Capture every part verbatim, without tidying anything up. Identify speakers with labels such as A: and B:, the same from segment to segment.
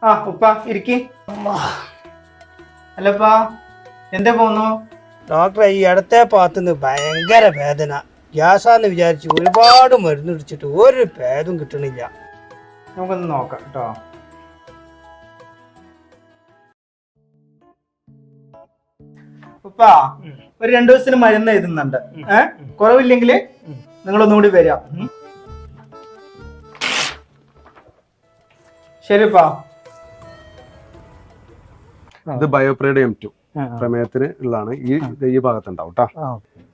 A: ആ ഉപ്പ ഇരിക്കി. അല്ലപ്പാ എന്താ പോന്നു?
B: ഡോക്ടറെ ഈ ഇടത്തെ ഭാഗത്തുനിന്ന് ഭയങ്കര വേദന. ഗ്യാസാന്ന് വിചാരിച്ച് ഒരുപാട് മരുന്ന് പിടിച്ചിട്ട് ഒരു ഭേദം കിട്ടണില്ല.
A: നമുക്കൊന്ന് നോക്കാം കേട്ടോ. ഉപ്പ ഒരു രണ്ടു ദിവസത്തിന് മരുന്ന് എഴുതുന്നുണ്ട്. ഏഹ് കുറവില്ലെങ്കിൽ നിങ്ങളൊന്നുകൂടി വരാം. ശരിപ്പാ.
C: ഇത് ബയോപ്രേഡ് എം ടു പ്രമേയത്തിന് ഉള്ളതാണ്. ഈ ഈ ഭാഗത്തുണ്ടാവും കേട്ടോ.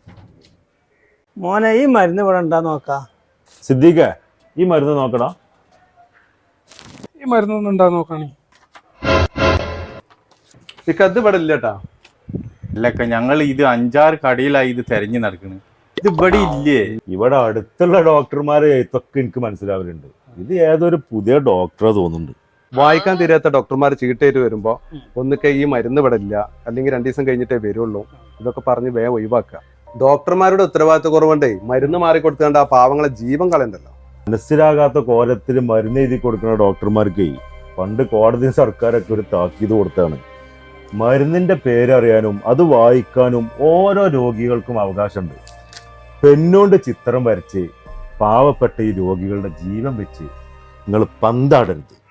B: മോനെ ഈ മരുന്ന് ഇവിടെ ഉണ്ടാ നോക്കാ.
D: സിദ്ദീഖ ഈ മരുന്ന് നോക്കടാ.
C: ഈ മരുന്നൊന്നും ഉണ്ടാവും നോക്കണേ. ഇത് ഇവിടെ ഇല്ല കേട്ടാ.
E: അല്ലക്ക ഞങ്ങൾ ഇത് അഞ്ചാറ് കടയിലായി ഇത് തെരഞ്ഞു നടക്കുന്നത്. ഇത് ഇവിടെ ഇല്ലേ?
D: ഇവിടെ അടുത്തുള്ള ഡോക്ടർമാരെ ഇതൊക്കെ എനിക്ക് മനസ്സിലാവലുണ്ട്. ഇത് ഏതൊരു പുതിയ ഡോക്ടറെ തോന്നുന്നുണ്ട്.
C: വായിക്കാൻ തീരാത്ത ഡോക്ടർമാർ ചീട്ടേറ്റ് വരുമ്പോ ഒന്നിക്കെ ഈ മരുന്ന് ഇവിടെ ഇല്ല, അല്ലെങ്കിൽ രണ്ടു ദിവസം കഴിഞ്ഞിട്ടേ വരുള്ളൂ, ഇതൊക്കെ പറഞ്ഞ് വേഗം ഒഴിവാക്കുക. ഡോക്ടർമാരുടെ ഉത്തരവാദിത്വ കുറവുണ്ടേ മരുന്ന് മാറിക്കൊടുത്തുകൊണ്ട് ആ പാവങ്ങളെ ജീവൻ കളയണ്ടല്ലോ.
D: മനസ്സിലാകാത്ത കോലത്തിൽ മരുന്ന് എഴുതി കൊടുക്കുന്ന ഡോക്ടർമാർക്ക് പണ്ട് കോടതി സർക്കാരൊക്കെ ഒരു താക്കീത് കൊടുത്താണ്. മരുന്നിന്റെ പേരറിയാനും അത് വായിക്കാനും ഓരോ രോഗികൾക്കും അവകാശമുണ്ട്. പെണ്ണുകൊണ്ട് ചിത്രം വരച്ച് പാവപ്പെട്ട ഈ രോഗികളുടെ ജീവൻ വെച്ച് നിങ്ങൾ പന്താടരുത്.